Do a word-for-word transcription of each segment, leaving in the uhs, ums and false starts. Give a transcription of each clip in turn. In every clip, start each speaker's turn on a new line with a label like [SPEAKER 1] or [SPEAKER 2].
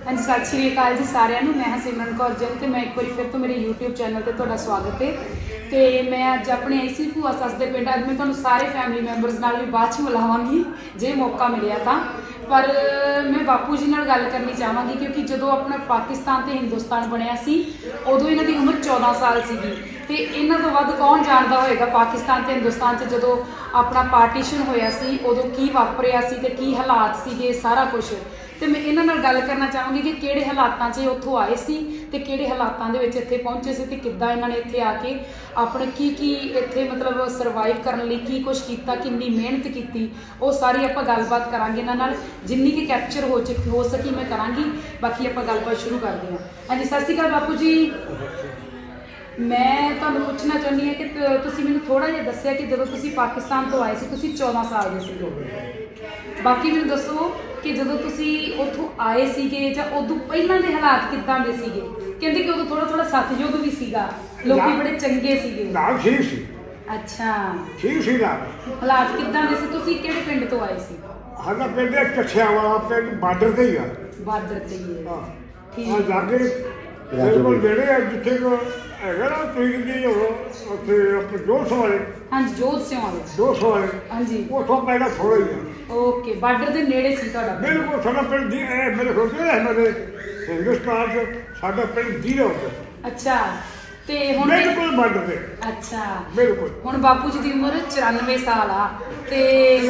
[SPEAKER 1] हाँ जी, सत श्री अकाल जी सारिਆਂ ਨੂੰ। मैं सिमरन कौर जन ਤੇ मैं एक बार फिर तो मेरे यूट्यूब चैनल ਤੇ ਤੁਹਾਡਾ ਸਵਾਗਤ ਹੈ। ਤੇ मैं ਅੱਜ ਆਪਣੇ ਆਈ ਸੀ ਭੂਆ ਸੱਸ ਦੇ ਪਿੰਡ। ਅੱਜ मैं ਤੁਹਾਨੂੰ ਸਾਰੇ ਫੈਮਿਲੀ ਮੈਂਬਰਸ ਨਾਲ ਵੀ ਬਾਅਦ ਚ ਮਿਲਾਵਾਂਗੀ ਜੇ ਮੌਕਾ ਮਿਲਿਆ ਤਾਂ। ਪਰ मैं ਬਾਪੂ ਜੀ ਨਾਲ ਗੱਲ ਕਰਨੀ ਚਾਹਾਂਗੀ ਕਿਉਂਕਿ ਜਦੋਂ ਆਪਣਾ ਪਾਕਿਸਤਾਨ ਤੇ ਹਿੰਦੁਸਤਾਨ ਬਣਿਆ ਸੀ ਉਦੋਂ ਇਹਨਾਂ ਦੀ ਉਮਰ ਚੌਦਾਂ ਸਾਲ ਸੀਗੀ। ਤੇ ਇਹਨਾਂ ਤੋਂ ਵੱਧ ਕੌਣ ਜਾਣਦਾ ਹੋਏਗਾ ਪਾਕਿਸਤਾਨ ਤੇ ਹਿੰਦੁਸਤਾਨ 'ਚ ਜਦੋਂ ਆਪਣਾ ਪਾਰਟੀਸ਼ਨ ਹੋਇਆ ਸੀ ਉਦੋਂ ਕੀ ਵਾਪਰਿਆ ਸੀ ਤੇ ਕੀ ਹਾਲਾਤ ਸੀਗੇ ਸਾਰਾ ਕੁਝ। ਤੇ ਮੈਂ ਇਹਨਾਂ ਨਾਲ ਗੱਲ ਕਰਨਾ ਚਾਹਾਂਗੀ ਕਿ ਕਿਹੜੇ ਹਾਲਾਤਾਂ 'ਚ ਉੱਥੋਂ ਆਏ ਸੀ ਤੇ ਕਿਹੜੇ ਹਾਲਾਤਾਂ ਦੇ ਵਿੱਚ ਇੱਥੇ ਪਹੁੰਚੇ ਸੀ ਤੇ ਕਿੱਦਾਂ ਇਹਨਾਂ ਨੇ ਇੱਥੇ ਆ ਕੇ ਆਪਣੇ ਕੀ ਕੀ ਇੱਥੇ ਮਤਲਬ ਸਰਵਾਈਵ ਕਰਨ ਲਈ ਕੀ ਕੁਝ ਕੀਤਾ, ਕਿੰਨੀ ਮਿਹਨਤ ਕੀਤੀ, ਉਹ ਸਾਰੀ ਆਪਾਂ ਗੱਲਬਾਤ ਕਰਾਂਗੇ ਇਹਨਾਂ ਨਾਲ। ਜਿੰਨੀ ਕਿ ਕੈਪਚਰ ਹੋ ਚ ਹੋ ਸਕੀ ਮੈਂ ਕਰਾਂਗੀ। ਬਾਕੀ ਆਪਾਂ ਗੱਲਬਾਤ ਸ਼ੁਰੂ ਕਰਦੇ ਹਾਂ। ਹਾਂਜੀ, ਸਤਿ ਸ਼੍ਰੀ ਅਕਾਲ ਬਾਪੂ ਜੀ। ਮੈਂ ਤੁਹਾਨੂੰ ਪੁੱਛਣਾ ਚਾਹੁੰਦੀ ਹਾਂ ਕਿ ਤੁਸੀਂ ਮੈਨੂੰ ਥੋੜ੍ਹਾ ਜਿਹਾ ਦੱਸਿਆ ਕਿ ਜਦੋਂ ਤੁਸੀਂ ਪਾਕਿਸਤਾਨ ਤੋਂ ਆਏ ਸੀ ਤੁਸੀਂ ਚੌਦਾਂ ਸਾਲ ਦੇ ਸੀਗੇ। ਬਾਕੀ ਮੈਨੂੰ ਦੱਸੋ ਕਿ ਜਦੋਂ ਤੁਸੀਂ ਉੱਥੋਂ ਆਏ ਸੀਗੇ ਜਾਂ ਉਦੋਂ ਪਹਿਲਾਂ ਦੇ ਹਾਲਾਤ ਕਿੱਦਾਂ ਦੇ ਸੀਗੇ। ਕਹਿੰਦੇ ਕਿ ਉਦੋਂ ਥੋੜਾ ਥੋੜਾ ਸਤਿਯੁੱਗ ਵੀ ਸੀਗਾ, ਲੋਕੀ ਬੜੇ ਚੰਗੇ ਸੀਗੇ।
[SPEAKER 2] ਨਾਲ ਠੀਕ ਸੀ।
[SPEAKER 1] ਅੱਛਾ,
[SPEAKER 2] ਠੀਕ ਸੀ ਨਾ।
[SPEAKER 1] ਹਾਲਾਤ ਕਿੱਦਾਂ ਦੇ ਸੀ? ਤੁਸੀਂ ਕਿਹੜੇ ਪਿੰਡ ਤੋਂ ਆਏ ਸੀ?
[SPEAKER 2] ਸਾਡਾ ਪਿੰਡ ਕੱਛਿਆ ਵਾਲਾ ਪਿੰਡ ਬਾਰਡਰ ਤੇ ਹੀ ਆ।
[SPEAKER 1] ਬਾਰਡਰ ਤੇ ਹੀ ਹੈ।
[SPEAKER 2] ਹਾਂ,
[SPEAKER 1] ਠੀਕ
[SPEAKER 2] ਆ ਜਾ ਕੇ ਬਿਲਕੁਲ ਜਿਹੜੇ ਆ ਜਿੱਥੇ ਕੋ ਹੈਗਾ ਨਾ ਤੁਸੀਂ ਜੀ ਉਹ ਉੱਥੇ ਆਪਣੇ ਜੋਸ਼ ਵਾਲੇ।
[SPEAKER 1] ਹਾਂਜੀ, ਜੋਧ ਸਿਉਂ ਵਾਲੇ।
[SPEAKER 2] ਜੋਸ਼ ਵਾਲੇ
[SPEAKER 1] ਹਾਂਜੀ,
[SPEAKER 2] ਉੱਥੋਂ ਪਹਿਲਾਂ ਥੋੜਾ ਹੀ ਆ।
[SPEAKER 1] ਓਕੇ, ਬਾਰਡਰ ਦੇ ਨੇੜੇ ਸੀ ਤੁਹਾਡਾ ਪਿੰਡ।
[SPEAKER 2] ਬਿਲਕੁਲ ਸਾਡਾ ਪਿੰਡ ਦੀ ਇਹ ਮੇਰੇ ਸੋਚਦੇ ਹੈ ਮੇਰੇ ਹਿੰਦੁਸਤਾਨ 'ਚ ਸਾਡਾ ਪਿੰਡ ਜ਼ੀਰੋ ਤੇ
[SPEAKER 1] ਅੱਛਾ, ਤੇ ਹੁਣ
[SPEAKER 2] ਬਿਲਕੁਲ ਬਾਰਡਰ ਤੇ।
[SPEAKER 1] ਅੱਛਾ,
[SPEAKER 2] ਬਿਲਕੁਲ।
[SPEAKER 1] ਹੁਣ ਬਾਪੂ ਜੀ ਦੀ ਉਮਰ ਚੁਰਾਨਵੇਂ ਸਾਲ ਆ ਤੇ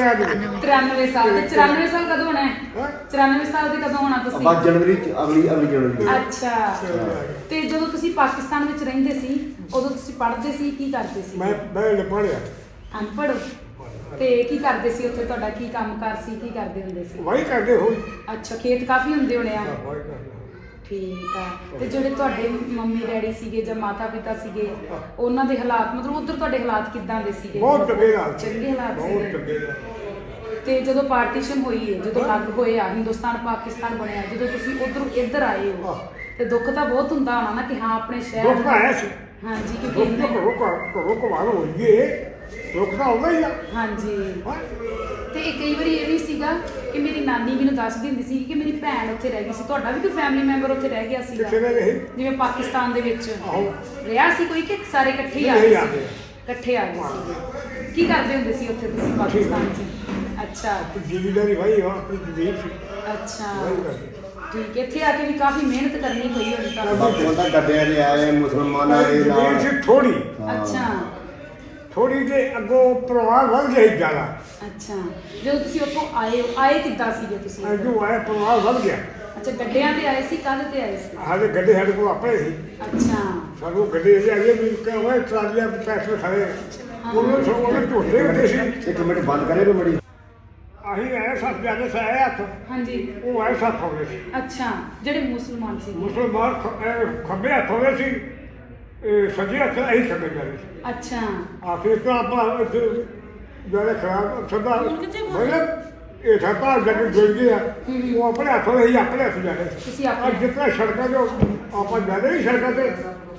[SPEAKER 1] ਤਰਾਨਵੇਂ ਸਾਲ ਤੇ ਚੁਰਾਨਵੇਂ ਸਾਲ ਕਦੋਂ ਹੋਣਾ ਹੈ?
[SPEAKER 2] ਹੈਂ?
[SPEAKER 1] ਚੁਰਾਨਵੇਂ ਸਾਲ ਦੇ ਕਦੋਂ ਹੋਣਾ ਤੁਸੀਂ?
[SPEAKER 3] ਬਸ ਜਨਵਰੀ ਚ ਅਗਲੀ ਅਗਲੀ ਜਨਵਰੀ ਚ।
[SPEAKER 1] ਅੱਛਾ, ਤੇ ਜਦੋਂ ਤੁਸੀਂ ਪਾਕਿਸਤਾਨ ਵਿੱਚ ਰਹਿੰਦੇ ਸੀ ਉਦੋਂ ਤੁਸੀਂ ਪੜ੍ਹਦੇ ਸੀ, ਕੀ ਕਰਦੇ ਸੀ?
[SPEAKER 2] ਮੈਂ ਮੈਂ ਪੜ੍ਹਿਆ
[SPEAKER 1] ਅਨਪੜ੍ਹ। ਤੇ ਕੀ ਕਰਦੇ ਸੀ ਉੱਥੇ? ਤੁਹਾਡਾ ਕੀ ਕੰਮਕਾਰ ਸੀ? ਕੀ ਕਰਦੇ ਹੁੰਦੇ ਸੀ?
[SPEAKER 2] ਵਾਹੀ ਕਰਦੇ ਹੋਈ।
[SPEAKER 1] ਅੱਛਾ, ਖੇਤ ਕਾਫੀ ਹੁੰਦੇ ਹੋਣੇ ਆ।
[SPEAKER 2] ਵਾਹੀ ਕਰਦੇ।
[SPEAKER 1] ਠੀਕ ਆ। ਤੇ ਜਿਹੜੇ ਤੁਹਾਡੇ ਮੰਮੀ ਡੈਡੀ ਸੀਗੇ ਜਾਂ ਮਾਤਾ ਪਿਤਾ ਸੀਗੇ ਉਹਨਾਂ ਦੇ ਹਾਲਾਤ ਮਤਲਬ ਉਧਰ ਤੁਹਾਡੇ ਹਾਲਾਤ ਕਿੱਦਾਂ ਦੇ ਸੀਗੇ?
[SPEAKER 2] ਬਹੁਤ ਚੰਗੇ ਹਾਲਾਤ।
[SPEAKER 1] ਚੰਗੇ ਹਾਲਾਤ
[SPEAKER 2] ਬਹੁਤ
[SPEAKER 1] ਸੀਗੇ।
[SPEAKER 2] ਚੰਗੇ ਹਾਲਾਤ।
[SPEAKER 1] ਤੇ ਜਦੋਂ ਪਾਰਟੀਸ਼ਨ ਹੋਈ ਹੈ, ਜਦੋਂ ਅਲੱਗ ਹੋਇਆ ਹਿੰਦੁਸਤਾਨ ਪਾਕਿਸਤਾਨ ਬਣਿਆ, ਜਦੋਂ ਤੁਸੀਂ ਉਧਰੋਂ ਇੱਧਰ ਆਏ ਹੋ ਤੇ ਦੁੱਖ ਤਾਂ ਬਹੁਤ ਹੁੰਦਾ ਹੋਣਾ ਨਾ ਕਿ ਹਾਂ ਆਪਣੇ ਸ਼ਹਿਰ
[SPEAKER 2] ਦੁੱਖ ਆਇਆ ਸੀ।
[SPEAKER 1] ਹਾਂਜੀ,
[SPEAKER 2] ਦੁੱਖ
[SPEAKER 1] ਕਿਉਂਕਿ
[SPEAKER 2] ਤਾਂ
[SPEAKER 1] ਇੰਨੇ-
[SPEAKER 2] ਘਰੋਂ ਘਰ ਘਰੋਂ ਘਵਾਰ ਹੋਈਏ ਦੁੱਖ ਤਾਂ ਆਉਂਦਾ ਹੀ ਆ।
[SPEAKER 1] ਹਾਂਜੀ।
[SPEAKER 2] ਹਾਂ।
[SPEAKER 1] ਤੇ ਇਹ ਕਈ ਵਾਰੀ ਇਹ ਵੀ ਸੀਗਾ ਕਿ ਮੇਰੀ ਨਾਨੀ ਮੈਨੂੰ ਦੱਸਦੀ ਹੁੰਦੀ ਸੀ ਕਿ ਮੇਰੀ ਭੈਣ ਉੱਥੇ ਰਹਿ ਗਈ ਸੀ। ਤੁਹਾਡਾ ਵੀ ਕੋਈ ਫੈਮਿਲੀ ਮੈਂਬਰ ਉੱਥੇ ਰਹਿ ਗਿਆ ਸੀਗਾ
[SPEAKER 2] ਕਿੱਥੇ ਰਹੇ?
[SPEAKER 1] ਜਿਵੇਂ ਪਾਕਿਸਤਾਨ ਦੇ ਵਿੱਚ
[SPEAKER 2] ਆਹੋ।
[SPEAKER 1] ਰਿਹਾ ਸੀ ਕੋਈ ਕਿ ਸਾਰੇ ਇਕੱਠੇ ਹੀ ਆ
[SPEAKER 2] ਨਹੀਂ,
[SPEAKER 1] ਗਏ
[SPEAKER 2] ਆ
[SPEAKER 1] ਸੀ?
[SPEAKER 2] ਗਏ।
[SPEAKER 1] ਇਕੱਠੇ ਆ ਗਏ ਸੀ। ਕੀ ਕਰਦੇ ਹੁੰਦੇ ਸੀ ਉੱਥੇ ਤੁਸੀਂ ਪਾਕਿਸਤਾਨ 'ਚ? ਅੱਛਾ
[SPEAKER 2] ਜ਼ਿਮੀਦਾਰੀ ਭਾਈ ਹਾਂ, ਆਪਣੀ ਜ਼ਮੀਨ ਸੀ।
[SPEAKER 1] ਅੱਛਾ,
[SPEAKER 2] ਵਾਹੀ ਕਰਦੇ।
[SPEAKER 1] ਠੀਕ। ਇੱਥੇ ਆ ਕੇ ਵੀ ਕਾਫੀ ਮਿਹਨਤ ਕਰਨੀ ਪਈ ਹੋਣੀ ਤੁਹਾਨੂੰ।
[SPEAKER 3] ਬਾਪੂ ਤਾਂ ਗੱਡਿਆਂ ਦੇ ਆਏ ਮੁਸਲਮਾਨਾਂ ਦੇ
[SPEAKER 2] ਜ਼ਮੀਨ
[SPEAKER 3] ਨਾਲ।
[SPEAKER 2] ਸੀ ਥੋੜੀ
[SPEAKER 1] ਅੱਛਾ
[SPEAKER 2] ਥੋੜੀ ਦੇ ਅੱਗੋਂ ਪਰਿਵਾਰ ਵੱਧ ਗਿਆ ਸੀ ਜ਼ਿਆਦਾ।
[SPEAKER 1] ਅੱਛਾ, ਜਦੋਂ ਤੁਸੀਂ ਉੱਥੋਂ ਆਏ ਹੋ, ਆਏ ਕਿੱਦਾਂ ਸੀਗੇ ਤੁਸੀਂ?
[SPEAKER 2] ਅੱਗੋਂ ਆਇਆ ਪਰਿਵਾਰ ਵੱਧ ਗਿਆ।
[SPEAKER 1] ਅੱਛਾ, ਗੱਡਿਆਂ ਤੇ ਆਏ ਸੀ? ਕਾਹਦੇ ਤੇ ਆਏ ਸੀ?
[SPEAKER 2] ਹਾਲੇ ਗੱਡੇ ਸਾਡੇ ਕੋਲ ਆਪਣੇ ਸੀ।
[SPEAKER 1] ਅੱਛਾ,
[SPEAKER 2] ਸਾਨੂੰ ਗੱਡੇ ਜੇ ਆਏ ਵੀ ਕਹਿੰਦਾ ਟਰਾਲੀਆਂ ਪੈਸੇ ਖੜੇ ਉਹਨਾਂ ਸੋ ਉਹਨਾਂ ਝੋਲੇ ਹੁੰਦੇ ਸੀ।
[SPEAKER 3] ਇੱਕ ਮਿੰਟ ਬੰਦ ਕਰੇ ਕੋ ਬੜੀ।
[SPEAKER 2] ਅਸੀਂ ਆਏ ਸੱਤ ਜਾਣੇ ਸਾਏ ਹੱਥ,
[SPEAKER 1] ਹਾਂਜੀ।
[SPEAKER 2] ਉਹ ਆਏ ਸੱਤ ਹੋਵੇ ਸੀ।
[SPEAKER 1] ਅੱਛਾ, ਜਿਹੜੇ ਮੁਸਲਮਾਨ ਸੀ।
[SPEAKER 2] ਮੁਸਲਮਾਨ ਖ- ਅਹ ਖੱਬੇ ਹੱਥ ਹੋਵੇ ਸੀ, ਇਹ ਸੱਜੇ ਹੱਥ ਅਸੀਂ ਖੱਬੇ ਜਾਣੇ ਸੀ।
[SPEAKER 1] ਅੱਛਾ,
[SPEAKER 2] ਆਖਿਰ ਤਾਂ ਆਪਾਂ ਇੱਥੇ ਜਿਹੜੇ ਖਰਾਬ ਸਦਾ ਮਤਲਬ ਇਹ ਠੱਪਾ ਜਦ ਜੁੜ ਗਿਆ ਉਹ ਆਪਣੇ ਹੱਥੋਂ ਹੀ ਆਪਣੇ ਹੱਥ ਜਾਣੇ।
[SPEAKER 1] ਤੁਸੀਂ ਆਪਣੇ-
[SPEAKER 2] ਅੱਜ ਜਿੱਦਾਂ ਸੜਕਾਂ ਤੇ ਆਪਾਂ ਜਾਂਦੇ ਨਹੀਂ ਸੜਕਾਂ ਤੇ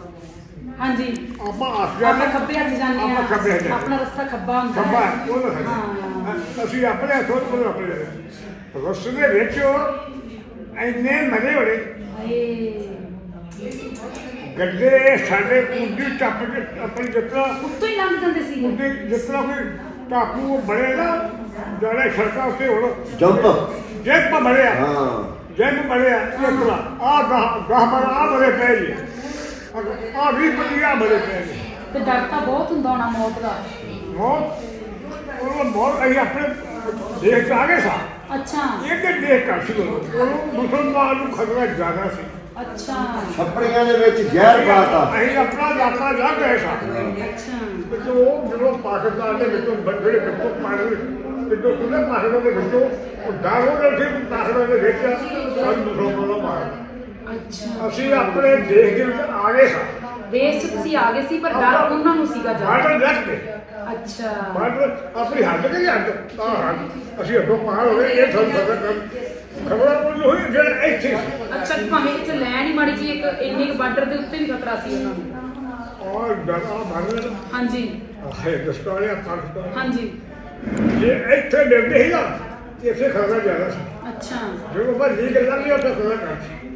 [SPEAKER 1] ਹਾਂਜੀ।
[SPEAKER 2] ਆਪਾਂ ਹੱਥ
[SPEAKER 1] ਆਪਾਂ
[SPEAKER 2] ਜਾਂਦੇ
[SPEAKER 1] ਖੱਬੇ ਹੱਥ ਜਾਂਦੇ
[SPEAKER 2] ਆਪਾਂ ਖੱਬੇ ਹੱਥ
[SPEAKER 1] ਆ। ਆਪਣਾ ਰਸਤਾ ਖੱਬਾ ਹੁੰਦਾ
[SPEAKER 2] ਖੱਬਾ
[SPEAKER 1] ਹੈ।
[SPEAKER 2] ਉਹ ਨਾ
[SPEAKER 1] ਹਾਂ।
[SPEAKER 2] ਅਸੀਂ ਆਪਣੇ ਹੱਥੋਂ ਉਹ ਆਪਣੇ ਜਾਂਦੇ ਰਸਤੇ ਦੇ ਵਿੱਚ ਇੰਨੇ ਮਜ਼ੇ ਹੋਣੇ।
[SPEAKER 1] ਹਾਏ,
[SPEAKER 2] ਗੱਡੇ ਸਾਡੇ ਕੁੰਡੀ ਟੱਪ ਕੇ ਆਪਣੀ ਜਿੱਤਰਾ
[SPEAKER 1] ਉੱਤੋਂ ਹੀ ਲੰਘ ਜਾਂਦੇ ਸੀ।
[SPEAKER 2] ਕੁੰਡੀ ਜਿੱਤਰਾ ਕੋਈ ਟਾਪੂ ਬਣੇ ਨਾ ਜਿਹੜੇ ਸੜਕਾਂ ਉੱਤੇ ਹੁਣ
[SPEAKER 3] ਜੰਪ।
[SPEAKER 2] ਜੈਪ ਬਣਿਆ
[SPEAKER 3] ਹਾਂ।
[SPEAKER 2] ਜੈਪ ਬਣਿਆ ਜਿੱਤਰਾ ਆ ਗਾਹ ਗਾਹ ਬਣਾ ਆ ਬੜੇ ਪੈ ਜੀ ਆ ਵੀ ਪਈਆ ਬੜੇ ਪੈ ਜੀ
[SPEAKER 1] ਤੇ ਡਰ ਤਾਂ ਬਹੁਤ ਹੁੰਦਾ ਹੋਣਾ ਮੌਤ ਦਾ।
[SPEAKER 2] ਬਹੁਤ ਉਹ ਬਹੁਤ ਅਸੀਂ ਆਪਣੇ ਦੇਖ ਕੇ ਆ ਗਏ ਸਾਂ।
[SPEAKER 1] ਅੱਛਾ
[SPEAKER 2] ਇਹਦੇ ਦੇਖ ਕਰ ਸੀ ਉਹ ਮੁਸਲਮਾਨ ਨੂੰ ਖਤਰਾ ਜ਼ਿਆਦਾ ਸੀ।
[SPEAKER 1] ਅੱਛਾ
[SPEAKER 3] ਛੱਪੜੀਆਂ ਦੇ ਵਿੱਚ ਜ਼ਹਿਰ ਪਾਤਾ।
[SPEAKER 2] ਅਸੀਂ ਆਪਣਾ ਇਲਾਕਾ ਜਾ ਗਏ ਸਾਂ।
[SPEAKER 1] ਅੱਛਾ
[SPEAKER 2] ਵਿੱਚੋਂ ਉਹ ਜਦੋਂ ਪਾਕਿਸਤਾਨ ਦੇ ਵਿੱਚੋਂ ਜਿਹੜੇ ਵਿੱਚੋਂ ਪਾਣੀ ਵਿੱਚੋਂ ਖੁੱਲੇ ਪਾਕਿਸਤਾਨ ਦੇ ਵਿੱਚੋਂ ਉਹ ਡਰ ਹੋ ਰਿਹਾ ਸੀ ਪਾਕਿਸਤਾਨ ਦੇ ਵਿੱਚ ਸਾਨੂੰ ਮੁਸਲਮਾਨਾਂ ਮਾਰ।
[SPEAKER 1] ਅੱਛਾ,
[SPEAKER 2] ਅਸੀਂ ਆਪਣੇ ਦੇਸ਼ ਦੇ ਵਿੱਚ ਆ ਗਏ ਸਾਂ।
[SPEAKER 1] ਦੇਸ਼ 'ਚ ਤੁਸੀਂ ਆ ਗਏ ਸੀ ਪਰ ਡਰ ਉਹਨਾਂ ਨੂੰ ਸੀਗਾ ਜ਼ਿਆਦਾ।
[SPEAKER 2] ਬਾਰਡਰ ਰੱਖ ਕੇ
[SPEAKER 1] ਅੱਛਾ,
[SPEAKER 2] ਬਾਰਡਰ ਆਪਣੀ ਹੱਦ ਕੇ ਹੱਦ ਤਾਂ ਹੱਦ ਅਸੀਂ ਅੱਗੋਂ ਪਾਰ ਹੋ ਗਏ। ਇਹ ਸਾਨੂੰ ਪਤਾ ਕਰ ਖਬਰਾਂ ਉਹ ਹੋਈ ਜਿਹੜਾ ਇੱਥੇ ਸੀ।
[SPEAKER 1] ਅੱਛਾ, ਭਾਵੇਂ ਇੱਥੇ ਲੈਣ ਹੀ ਮਾੜੀ ਜੀ ਇੱਕ ਇੰਨੇ ਕੁ ਬਾਰਡਰ ਦੇ ਉੱਤੇ ਵੀ ਖਤਰਾ ਸੀ ਉਹਨਾਂ ਨੂੰ।
[SPEAKER 2] ਔਰ ਡਰਾ ਮਾਰਨਾ
[SPEAKER 1] ਹਾਂਜੀ
[SPEAKER 2] ਹੈ ਦਸਤਾਰਿਆ ਪਾਕਿਸਤਾਨ
[SPEAKER 1] ਹਾਂਜੀ।
[SPEAKER 2] ਜੇ ਇੱਥੇ ਡਰਦੇ ਹੀ ਨਾ ਇੱਥੇ ਖਤਰਾ ਜ਼ਿਆਦਾ ਸੀ।
[SPEAKER 1] ਅੱਛਾ
[SPEAKER 2] ਜਦੋਂ ਮੈਂ ਲੀਕ ਲੱਗੀ ਉਹ ਤਾਂ ਖੜਾ ਕਰ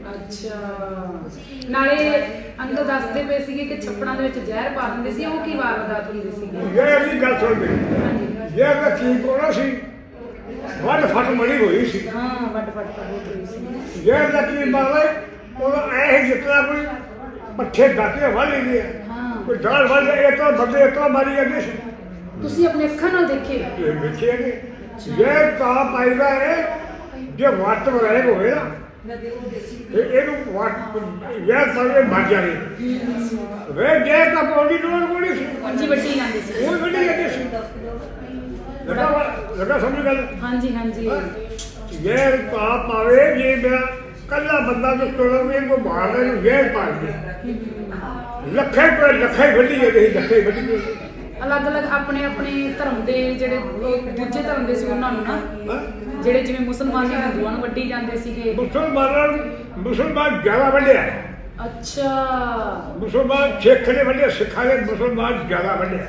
[SPEAKER 1] ਅੱਛਾ ਨਾਲੇ ਅੰਕਲ ਦੱਸਦੇ ਪਏ ਸੀਗੇ ਕਿ ਛੱਪੜਾਂ ਦੇ ਵਿੱਚ ਜ਼ਹਿਰ ਪਾ ਦਿੰਦੇ ਸੀ ਉਹ ਕੀ ਵਾਰਦਾਤ ਹੁੰਦੀ ਸੀਗੀ
[SPEAKER 2] ਇਹ ਅਗਲੀ ਗੱਲ ਸੁਣ ਦੇ
[SPEAKER 1] ਹਾਂਜੀ
[SPEAKER 2] ਇਹ ਮੈਂ ਕੀ ਕੋਣਾ ਸੀ ਵੱਡ ਫਟ ਮੜੀ ਹੋਈ ਸੀ
[SPEAKER 1] ਹਾਂ ਵੱਡ ਵੱਡ ਤਾਂ ਬਹੁਤ ਹੋਈ ਸੀ
[SPEAKER 2] ਇਹ ਦਾ ਕੀ ਮਾਰੇ ਉਹ ਐ ਜਿਤਨਾ ਕੋਈ ਪੱਠੇ ਡਾਕੇ ਵਾਲੀ ਗਏ
[SPEAKER 1] ਹਾਂ
[SPEAKER 2] ਕੋਈ ਢਾਲ ਵਾਲੇ ਇਹ ਤਾਂ ਬੰਦੇ ਇਹ ਤਾਂ ਮਾਰੀ ਜਾਂਦੇ ਸੀ
[SPEAKER 1] ਤੁਸੀਂ ਆਪਣੇ ਅੱਖਾਂ ਨਾਲ ਦੇਖੇ
[SPEAKER 2] ਇਹ ਵੇਖਿਆ ਨੇ ਇਹ ਤਾਂ ਪਾਈਦਾ ਹੈ ਜੇ ਵੱਟ ਵਰੇ ਹੋਏ ਨਾ ਤੇ ਇਹਨੂੰ ਵੱਟ ਇਹ ਸਾਰੇ ਮਰ ਜਾਣੇ ਵੇ ਜੇ ਤਾਂ ਬੋਲੀ ਲੋੜ ਕੋਣੀ ਸੀ
[SPEAKER 1] ਜੀ ਵੱਡੀ ਜਾਂਦੀ ਸੀ
[SPEAKER 2] ਉਹ ਵੱਡੀ ਜਾਂਦੀ ਸੀ ਲਗਾ ਲਗਾ ਸਮਝ ਗੱਲ
[SPEAKER 1] ਹਾਂਜੀ ਹਾਂਜੀ
[SPEAKER 2] ਇਹ ਤਾਂ ਪਾਵੇ ਜੇ ਮੈਂ ਕੱਲਾ ਬੰਦਾ ਜੋ ਕੋਲੋਂ ਕੋ ਮਾਰਦਾ ਨੂੰ ਇਹ ਪਾ ਦੇ ਲੱਖੇ ਪਰ ਲੱਖੇ ਵੱਡੀ ਜਾਂਦੀ ਲੱਖੇ ਵੱਡੀ
[SPEAKER 1] ਅਲੱਗ-ਅਲੱਗ ਆਪਣੇ ਆਪਣੇ ਧਰਮ ਦੇ ਜਿਹੜੇ ਉਹ ਦੂਜੇ ਧਰਮ ਦੇ ਸੀ ਉਹਨਾਂ ਨੂੰ ਨਾ
[SPEAKER 2] ਹਾਂ
[SPEAKER 1] ਜਿਹੜੇ ਜਿਵੇਂ ਮੁਸਲਮਾਨ ਨੇ ਹਿੰਦੂਆਂ ਨੂੰ ਵੱਢੀ ਜਾਂਦੇ ਸੀਗੇ
[SPEAKER 2] ਮੁਸਲਮਾਨਾਂ ਨੂੰ ਮੁਸਲਮਾਨ ਜ਼ਿਆਦਾ ਵੱਡਿਆ
[SPEAKER 1] ਅੱਛਾ
[SPEAKER 2] ਮੁਸਲਮਾਨ ਸਿੱਖ ਨੇ ਵੱਡਿਆ ਸਿੱਖਾਂ ਨੇ ਮੁਸਲਮਾਨ ਜ਼ਿਆਦਾ ਵੱਡਿਆ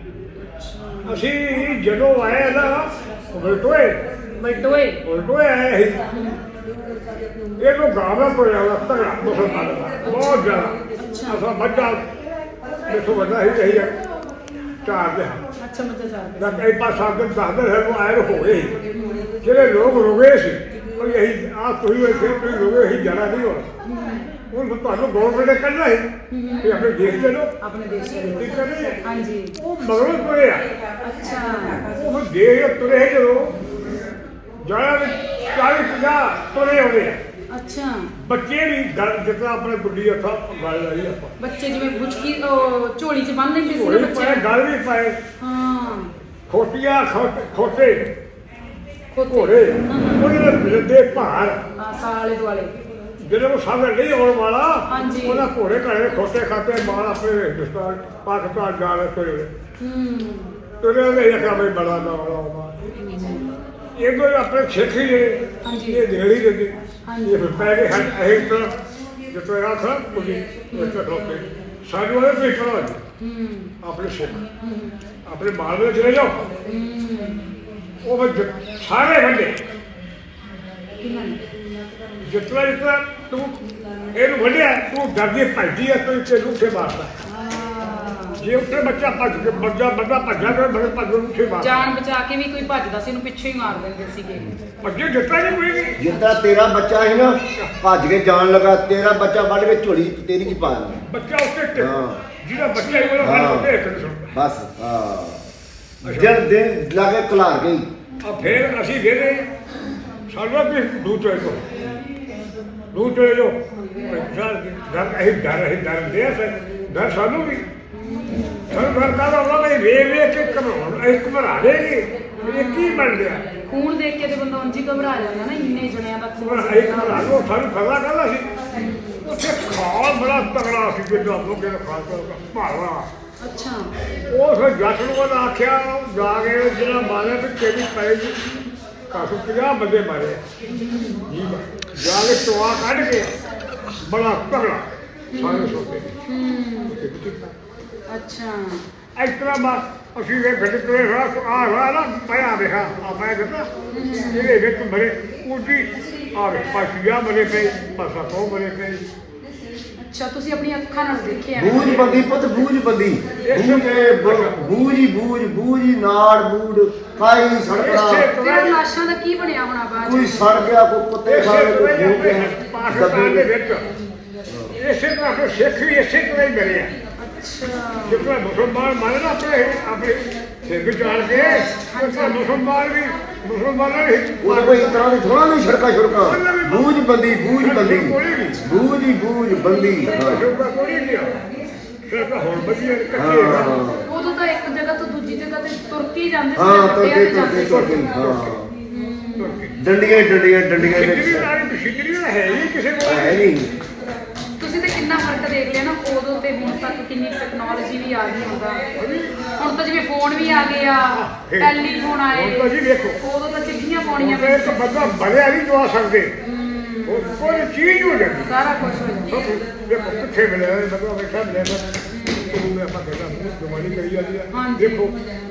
[SPEAKER 2] ਅਸੀਂ ਜਦੋਂ ਆਏ ਨਾ ਉਲਟੋਏ
[SPEAKER 1] ਬਟੋਏ
[SPEAKER 2] ਉਲਟੋਏ ਆਏ ਸੀ ਇਹਨੂੰ ਗਾਵਾ ਪੜਿਆ ਵਾ ਤਗੜਾ ਮੁਸਲਮਾਨ ਦਾ ਬਹੁਤ ਜ਼ਿਆਦਾ ਅਸਾਂ ਬੱਚਾ ਦੇਖੋ ਵੱਡਾ ਹੀ ਰਹੀ ਹੈ ਚਾਰ ਦੇ ਹਾਂ
[SPEAKER 1] ਅੱਛਾ ਮੱਝਾਂ ਚਾਰ
[SPEAKER 2] ਨਾ ਕਈ ਪਾਸ ਆਗਨ ਦਸਦਰ ਹੈ ਉਹ ਆਏ ਹੋ ਗਏ ਜਿਹੜੇ ਲੋਕ ਰੁਕੇ ਸੀ ਉਹ ਇਹੀ ਆ ਤੁਸੀਂ ਹੋਏ ਫਿਰ ਤੁਸੀਂ ਰੁਕੇ ਹੀ ਜਾਣਾ ਨਹੀਂ ਹੋਣਾ ਉਹ ਤੁਹਾਨੂੰ ਗੌਰਮੈਂਟ ਨੇ ਕੱਢਣਾ ਹੈ ਕਿ ਆਪਣੇ ਦੇਸ਼ ਦੇ ਲੋਕ
[SPEAKER 1] ਆਪਣੇ ਦੇਸ਼ ਦੇ ਲੋਕ।
[SPEAKER 2] ਠੀਕ ਕਰੇ
[SPEAKER 1] ਹਾਂਜੀ
[SPEAKER 2] ਉਹ ਮਗਰੋਂ ਤੁਰੇ ਆ
[SPEAKER 1] ਅੱਛਾ
[SPEAKER 2] ਉਹ ਦੇਸ਼ ਤੁਰੇ ਜਦੋਂ ਜਾਣਾ ਵੀ ਚਾਲੀ ਪੰਜਾਹ ਤੁਰੇ ਆਉਂਦੇ ਆ
[SPEAKER 1] ਅੱਛਾ
[SPEAKER 2] ਬੱਚੇ ਵੀ ਗੱਲ ਜਿੱਦਾਂ ਆਪਣੇ ਗੁੱਡੀ ਹੱਥਾਂ ਗੱਲ ਲਾਈ ਆਪਾਂ
[SPEAKER 1] ਬੱਚੇ ਜਿਵੇਂ ਬੁਚਕੀ ਉਹ ਝੋਲੀ 'ਚ ਬੰਨ ਲੈਂਦੇ ਸੀ
[SPEAKER 2] ਹੋਲੀ
[SPEAKER 1] ਨਾ
[SPEAKER 2] ਪਾਏ
[SPEAKER 1] ਬੱਚੇ
[SPEAKER 2] ਗੱਲ ਵੀ ਪਾਏ
[SPEAKER 1] ਹਾਂ
[SPEAKER 2] ਖੋਟੀਆਂ ਖੋਟ- ਖੋਟੇ
[SPEAKER 1] ਖੋਤੇ।
[SPEAKER 2] ਘੋੜੇ ਉਹਨਾਂ ਦੇ ਬਿਲਦੇ ਭਾਰ
[SPEAKER 1] ਆ ਸਾਲੇ ਦੁਆਲੇ
[SPEAKER 2] ਜਦੋਂ ਉਹ ਸਾਹਮਣੇ ਨਹੀਂ ਆਉਣ ਵਾਲਾ
[SPEAKER 1] ਹਾਂਜੀ।
[SPEAKER 2] ਉਹਨਾਂ ਘੋੜੇ ਘੜੇ ਖੋਟੇ ਖਾਤੇ ਮਾਲ ਆਪਣੇ ਹਿੰਦੁਸਤਾਨ ਪਾਕਿਸਤਾਨ ਜਾ ਰਹੇ ਤੁਰੇ
[SPEAKER 1] ਹੂੰ
[SPEAKER 2] ਤੁਰੇ ਉਹਦੇ ਇੱਕ ਆਪਣੇ ਬੜਾ ਨਾ ਵਾਲਾ ਇਹ ਕੋਈ ਆਪਣੇ ਸਿੱਖ ਹੀ ਜਿਹੜੇ
[SPEAKER 1] ਹਾਂਜੀ।
[SPEAKER 2] ਇਹ ਦੇੜੀ ਦੇ
[SPEAKER 1] ਹਾਂਜੀ।
[SPEAKER 2] ਇਹ ਫਿਰ ਪੈ ਗਏ ਹਨ ਇਹ ਤਾਂ ਜਿੱਥੇ ਆ ਖੜਾ ਕੋਈ ਇੱਥੇ ਖਲੋਤੇ ਸਾਨੂੰ ਇਹ ਵੀ ਕਰੋ
[SPEAKER 1] ਹੂੰ
[SPEAKER 2] ਆਪਣੇ ਸਿੱਖ ਆਪਣੇ ਮਾਲ ਵਿੱਚ ਚਲੇ ਜਾਓ ਉਹ ਫਿਰ ਜ- ਸਾਰੇ ਵੱਡੇ
[SPEAKER 1] ਕਿੰਨਾ ਨੇ?
[SPEAKER 2] ਜਿਤਨਾ ਜਿਤਨਾ ਤੂੰ ਇਹਨੂੰ ਵੱਢਿਆ ਤੂੰ ਡਰਦੀ ਭੱਜਦੀ ਆ ਤੂੰ ਇੱਥੇ ਲੁੱਟੇ ਮਾਰਦਾ
[SPEAKER 1] ਹਾਂ
[SPEAKER 2] ਜੇ ਉੱਥੇ ਬੱਚਾ ਭੱਜ ਕੇ ਬੱਚਾ ਬੰਦਾ ਭੱਜਾ ਤੇ ਬੜੇ ਭੱਜ ਨੂੰ ਉੱਥੇ ਮਾਰਦਾ
[SPEAKER 1] ਜਾਨ ਬਚਾ ਕੇ ਵੀ ਕੋਈ ਭੱਜਦਾ ਸੀ ਇਹਨੂੰ ਪਿੱਛੇ ਹੀ ਮਾਰ ਦਿੰਦੇ ਸੀਗੇ
[SPEAKER 2] ਭੱਜੇ ਜਿੱਤਾ ਨਹੀਂ ਕੋਈ ਨਹੀਂ
[SPEAKER 3] ਜਿੱਦਾਂ ਤੇਰਾ ਬੱਚਾ ਸੀ ਨਾ ਭੱਜ ਕੇ ਜਾਣ ਲੱਗਾ ਤੇਰਾ ਬੱਚਾ ਵੱਢ ਕੇ ਝੋਲੀ ਤੇਰੀ ਕੀ ਪਾ ਦਿੰਦਾ
[SPEAKER 2] ਬੱਚਾ ਉੱਤੇ ਟਿਕ
[SPEAKER 3] ਹਾਂ।
[SPEAKER 2] ਜਿਹੜਾ ਬੱਚਾ ਹੀ ਉਹਦਾ ਫੜ ਉੱਤੇ ਇੱਕ ਨਹੀਂ ਸੁਣਦਾ
[SPEAKER 3] ਬਸ ਹਾਂ ਜਦ ਦਿਨ ਲਾਗੇ ਕਲਾਰ ਗਈ
[SPEAKER 2] ਆ ਫਿਰ ਅਸੀਂ ਵੇਲੇ ਸਾਡਾ ਵੀ ਦੂਰ ਚਲੇ ਜਾਓ ਦੂਰ ਚਲੇ ਜਾਓ ਡਰ ਡਰ ਅਸੀਂ ਡਰ ਅਸੀਂ ਡਰ ਦੇ ਡਰ ਸਾਨੂੰ ਵੀ ਸਾਨੂੰ ਡਰ ਕਾਹਦਾ ਹੁੰਦਾ ਵੀ ਵੇ ਵੇ ਕੇ ਘਬਰਾਉਣ ਅਸੀਂ ਘਬਰਾ ਦੇਗੇ ਇਹ ਕੀ ਬਣ ਗਿਆ
[SPEAKER 1] ਖੂਨ ਦੇਖ ਕੇ ਤੇ ਬੰਦਾ ਉਂਝ ਹੀ ਘਬਰਾ ਜਾਂਦਾ ਨਾ ਇੰਨੇ ਜਣਿਆਂ ਦਾ ਖੂਨ
[SPEAKER 2] ਅਸੀਂ ਘਬਰਾ ਲਓ ਸਾਨੂੰ ਖਬਰਾ ਕਾਹਦਾ ਸੀ ਉੱਥੇ ਖਾਲ ਬੜਾ ਤਗੜਾ ਸੀ ਜਿੱਦਾਂ ਲੋਕੇ ਦਾ ਖਾਲ ਤਗੜਾ ਭਾਰਾ
[SPEAKER 1] ਅੱਛਾ
[SPEAKER 2] ਉਹ ਫਿਰ ਜੱਟ ਨੂੰ ਉਹਨੇ ਆਖਿਆ ਜਾ ਕੇ ਜਿਹੜਾ ਮਾਰਿਆ ਤੇ ਕਿਹੜੀ ਪਏ ਜੀ ਕਾਫੀ ਪੰਜਾਹ ਬੰਦੇ ਮਾਰੇ ਜੀ ਜਾ ਕੇ ਟੋਆ ਕੱਢ ਕੇ ਬੜਾ ਤਗੜਾ ਸਾਰੇ ਸੋਤੇ
[SPEAKER 1] ਅੱਛਾ
[SPEAKER 2] ਇਸ ਤਰ੍ਹਾਂ ਬਾ ਅਸੀਂ ਇਹ ਗੱਡ ਤੇ ਰਾਸ ਆ ਰਹਾ ਨਾ ਪਿਆ ਰਿਹਾ ਆ ਮੈਂ ਕਹਿੰਦਾ ਇਹਦੇ ਵਿੱਚ ਮਰੇ ਉਡੀ ਆ ਵੇ ਪਾਸ਼ੀਆ ਮਰੇ ਪਏ ਪਾਸਾ ਕੋ ਮਰੇ ਪਏ
[SPEAKER 1] ਅੱਛਾ ਤੁਸੀਂ ਆਪਣੀਆਂ ਅੱਖਾਂ ਨਾਲ ਦੇਖਿਆ
[SPEAKER 3] ਬੂਝ ਬੰਦੀ ਪੁੱਤ ਬੂਝ ਬੰਦੀ ਬੂਝ ਕੇ ਬੂਝੀ ਬੂਝ ਬੂਝੀ ਨਾੜ ਬੂੜ ਕਾਈ ਸੜਕੜਾ
[SPEAKER 1] ਫਿਰ ਲਾਸ਼ਾਂ ਦਾ ਕੀ ਬਣਿਆ ਹੋਣਾ ਬਾਅਦ
[SPEAKER 3] ਕੋਈ
[SPEAKER 1] ਚ?
[SPEAKER 3] ਸੜ ਗਿਆ ਕੋਈ ਕੁੱਤੇ ਖਾ ਗਏ ਕੋਈ ਭੂਤ ਗਏ
[SPEAKER 2] ਪਾਕਿਸਤਾਨ ਦੇ ਵਿੱਚ ਇਸੇ ਤਰ੍ਹਾਂ ਫਿਰ ਸਿੱਖ ਵੀ ਇਸੇ ਤਰ੍ਹਾਂ ਹੀ ਮਰੇ ਆ
[SPEAKER 1] ਅੱਛਾ
[SPEAKER 2] ਜਿੱਦਾਂ ਮੁਸਲਮਾਨ ਮਾਰੇ ਨਾ ਆਪਣੇ ਆਪਣੇ ਸਿਰ ਚਾੜ ਕੇ ਉਸੇ ਮੁਸਲਮਾਨ ਵੀ ਮੁਸਲਮਾਨਾਂ ਨੇ
[SPEAKER 3] ਉਹ ਕੋਈ ਇਸ ਤਰ੍ਹਾਂ ਦੀ ਥੋੜਾ ਨਹੀਂ ਸੜਕਾ ਛੜਕਾ ਬੂਝ ਬੰਦੀ ਬੂਝ ਬੰਦੀ ਬੂਝ ਹੀ ਬੂਝ ਬੰਦੀ ਹਾਂ
[SPEAKER 2] ਸ਼ੋਭਾ ਕੋਈ ਨਹੀਂ ਗਿਆ ਫਿਰ ਤਾਂ ਹੁਣ ਵਧੀਆ ਇਕੱਠੇ
[SPEAKER 3] ਹਾਂ
[SPEAKER 2] ਕਰ
[SPEAKER 1] ਉਦੋਂ ਤਾਂ ਇੱਕ ਜਗ੍ਹਾ ਤੋਂ ਦੂਜੀ ਜਗ੍ਹਾ ਤੇ ਤੁਰ ਕੇ ਹੀ ਜਾਂਦੇ ਸੀ
[SPEAKER 3] ਹਾਂ
[SPEAKER 1] ਵੱਡਿਆਂ
[SPEAKER 3] ਤੁਰਕੇ
[SPEAKER 1] ਤੇ
[SPEAKER 3] ਤੁਰਕੇ
[SPEAKER 1] ਜਾਂਦੇ ਸੀ।
[SPEAKER 3] ਤੁਰਕੇ ਹਾਂ ਡੰਡੀਆਂ ਡੰਡੀਆਂ ਡੰਡੀਆਂ
[SPEAKER 2] ਸਿੱਧੀ
[SPEAKER 3] ਵਿੱਚ
[SPEAKER 2] ਨਾਲ ਸਿੱਧੀ ਨਾਲ ਹੈ ਹੀ ਕਿਸੇ ਕੋਲ
[SPEAKER 3] ਹੈ ਨਹੀਂ
[SPEAKER 1] ਤੁਸੀਂ ਤੇ ਕਿੰਨਾ ਫਰਕ ਦੇਖ ਲਿਆ ਨਾ ਉਦੋਂ ਤੇ ਹੁਣ ਤੱਕ ਕਿੰਨੀ ਟੈਕਨੋਲੋਜੀ ਵੀ ਆ ਗਈ ਹੁੰਦਾ ਹੁਣ ਤਾਂ ਜਿਵੇਂ ਫੋਨ ਵੀ ਆ ਗਏ ਆ ਟੈਲੀਫੋਨ ਆਏ
[SPEAKER 2] ਹੁਣ ਤਾਂ ਜੀ ਵੇਖੋ
[SPEAKER 1] ਉਦੋਂ ਤਾਂ ਚਿੱਠੀਆਂ ਪਾਉਣੀਆਂ
[SPEAKER 2] ਹੁਣ ਇੱਕ ਬੰਦਾ ਬਲਿਆ ਨਹੀਂ ਦਵਾ ਸਕਦੇ ਉਹ ਕੋਈ ਚੀਜ਼ ਹੋ ਜਾਂਦੀ
[SPEAKER 1] ਸਾਰਾ ਕੁਝ ਹੋ ਜਾਂਦਾ
[SPEAKER 2] ਦੇਖੋ ਕਿੱਥੇ ਮਿਲਿਆ ਬੰਦਾ ਬੈਠਾ ਮਿਲਿਆ ਤੂੰ ਆਪਾਂ ਕਹਿੰਦਾ ਜਮਾਨੀ ਕਰੀ ਜਾਂਦੀ ਆ
[SPEAKER 1] ਹਾਂਜੀ।
[SPEAKER 2] ਦੇਖੋ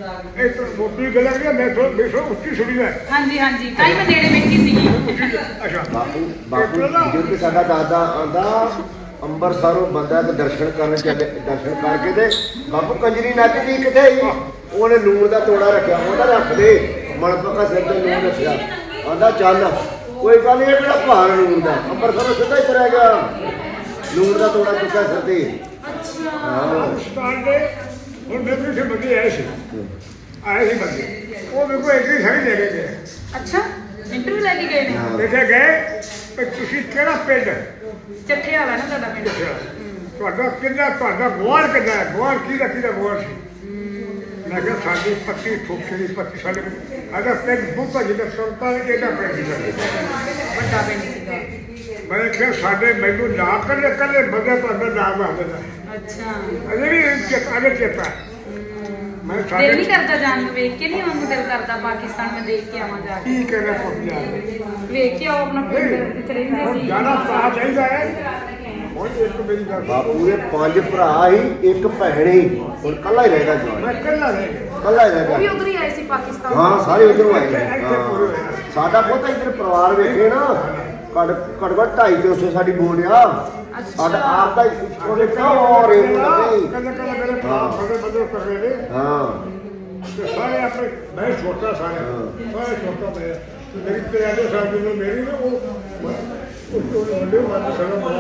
[SPEAKER 2] ਇਹ ਤਾਂ ਮੋਟੀ ਗੱਲ ਹੈ ਮੈਂ ਥੋੜਾ ਬੇਸੋ ਉੱਚੀ ਸੁਣੀ ਹੈ
[SPEAKER 1] ਹਾਂਜੀ ਹਾਂਜੀ ਤਾਂ ਹੀ ਮੈਂ ਨੇੜੇ ਬੈਠੀ ਸੀਗੀ
[SPEAKER 2] ਅੱਛਾ
[SPEAKER 3] ਬਾਪੂ ਬਾਪੂ ਬਜ਼ੁਰਗ ਸਾਡਾ ਦਾਦਾ ਆਂਦਾ ਅੰਮ੍ਰਿਤਸਰੋਂ ਬੰਦਾ ਤੇ ਦਰਸ਼ਨ ਕਰਨ ਚੱਲੇ ਦਰਸ਼ਨ ਕਰਕੇ ਤੇ ਬਾਪੂ ਕੰਜਰੀ ਨੱਚਦੀ ਕਿੱਥੇ ਸੀ ਉਹਨੇ ਲੂਣ ਦਾ ਤੋੜਾ ਰੱਖਿਆ ਉਹਦਾ ਰੱਖ ਦੇ ਮਣਪਕਾ ਸਿਰ ਤੇ ਲੂਣ ਰੱਖਿਆ ਆਂਦਾ ਚੱਲ ਕੋਈ ਗੱਲ ਨਹੀਂ ਕਿਹੜਾ ਭਾਰ ਲੂਣ ਦਾ ਅੰਮ੍ਰਿਤਸਰੋਂ ਸਿੱਧਾ ਹੀ ਤੁਰਿਆ ਗਿਆ ਲੂਣ ਦਾ ਤੋੜਾ ਚੁੱਕਿਆ ਸਿਰ ਤੇ ਹਾਂ
[SPEAKER 2] ਸਟਾਰ ਦੇ ਹੁਣ ਮੇਰੇ ਕਿਸੇ ਬੰਦੇ ਆਏ ਸੀ ਆਏ ਸੀ ਬੰਦੇ ਉਹ ਮੇਰੇ ਕੋਲ ਇੱਕ ਹੀ ਸਾਈ ਲੈ ਕੇ ਗਏ
[SPEAKER 1] ਅੱਛਾ ਇੰਟਰਵਿਊ ਲੈ ਕੇ ਗਏ ਨੇ
[SPEAKER 2] ਦੇਖਿਆ ਗਏ ਕਿ ਤੁਸੀਂ ਕਿਹੜਾ ਪਿੰਡ
[SPEAKER 1] ਚੱਠੇ ਵਾਲਾ ਨਾ ਤੁਹਾਡਾ ਪਿੰਡ
[SPEAKER 2] ਤੁਹਾਡਾ ਕਿੰਨਾ ਤੁਹਾਡਾ ਗਵਾਰ ਕਿੰਨਾ ਹੈ ਗਵਾਰ ਕਿਹਦਾ ਕਿਹਦਾ ਗਵਾਰ ਸੀ ਮੈਂ ਕਿਹਾ ਸਾਡੀ ਪੱਤੀ ਠੋਕਰੀ ਪੱਤੀ ਸਾਡੇ ਅਗਰ ਪਿੰਡ ਬੁੱਕਾ ਜਿਹਦਾ ਸੁਲਤਾਨ ਇਹਦਾ ਪਿੰਡ ਸੀ
[SPEAKER 1] ਵੱਡਾ ਪਿੰਡ ਸੀਗਾ
[SPEAKER 2] ਮੈਂ ਕਿਹਾ ਸਾਡੇ ਮੈਨੂੰ ਨਾ ਕੱਲੇ ਕੱਲੇ ਬੰਦੇ ਤੁਹਾਡਾ ਨਾਮ ਆ ਦਿੰਦਾ
[SPEAKER 1] ਅੱਛਾ
[SPEAKER 2] ਅਜੇ ਵੀ ਚੇਤਾ ਅਜੇ ਚੇਤਾ ਮੈਂ
[SPEAKER 1] ਦਿਲ
[SPEAKER 2] ਸਾਡੇ
[SPEAKER 1] ਨਹੀਂ ਕਰਦਾ ਜਾਣ ਨੂੰ ਵੇਖ ਕੇ ਨਹੀਂ ਆਉਣ ਨੂੰ ਦਿਲ ਕਰਦਾ ਪਾਕਿਸਤਾਨ ਮੈਂ ਦੇਖ ਕੇ ਆਵਾਂ ਜਾ ਕੇ
[SPEAKER 2] ਕੀ ਕਹਿਣਾ ਪੁੱਛਿਆ
[SPEAKER 1] ਵੇਖ ਕੇ ਆਓ ਆਪਣਾ ਪਿੰਡ ਜਿੱਥੇ ਰਹਿੰਦੇ
[SPEAKER 2] ਹੁਣ
[SPEAKER 1] ਸੀ
[SPEAKER 2] ਜਾਣਾ ਤਾਂ ਚਾਹੀਦਾ ਹੈ ਹੁਣ ਇੱਕ ਮੇਰੀ ਗੱਲ
[SPEAKER 3] ਬਾਪੂ ਦੇ ਪੰਜ ਭਰਾ ਸੀ ਇੱਕ ਭੈਣ ਸੀ ਹੁਣ ਕੱਲਾ ਹੀ ਰਹਿ ਗਿਆ ਜਵਾਨ
[SPEAKER 2] ਮੈਂ ਕੱਲਾ ਰਹਿ ਗਿਆ
[SPEAKER 3] ਕੱਲਾ ਹੀ ਰਹਿ
[SPEAKER 1] ਉਹ ਵੀ
[SPEAKER 3] ਗਿਆ
[SPEAKER 1] ਉਧਰ ਹੀ ਆਏ ਸੀ ਪਾਕਿਸਤਾਨ
[SPEAKER 3] ਹਾਂ ਸਾਰੇ ਉਧਰੋਂ ਆਏ ਨੇ।
[SPEAKER 2] ਇੱਥੇ ਪੂਰੇ ਹੋਏ
[SPEAKER 3] ਹਾਂ।
[SPEAKER 2] ਨੇ।
[SPEAKER 3] ਸਾਡਾ ਬਹੁਤਾ ਇੱਧਰ ਪਰਿਵਾਰ ਵੇਖੇ ਨਾ ਘੜ ਘੜਵਾ ਢਾਈ ਤਿੰਨ ਸੌ ਸਾਡੀ ਬੋਲਿਆ ਸਾਡਾ ਆਪ ਦਾ ਉਹਦੇ ਕਿਉਂ ਰੇਟ ਲੱਗੇ
[SPEAKER 2] ਕੱਲਾ ਕੱਲਾ ਮੇਰੇ ਭਰਾ ਬੜੇ ਬੜੇ ਕਰ ਰਹੇ ਨੇ
[SPEAKER 3] ਹਾਂ
[SPEAKER 2] ਤੇ ਸਾਰੇ ਆਪਣੇ ਮੈਂ ਛੋਟਾ ਸਾਰਾ ਸਾਰੇ ਛੋਟਾ ਮੈਂ ਮੇਰੀ ਤੇਰੇ ਸਾਲ ਦੀ ਉਮਰ ਮੇਰੀ ਨਾ ਉਹ ਉਹ ਉਹ ਵੱਡੇ ਮਾਰ ਸਾਰਾ ਬੜਾ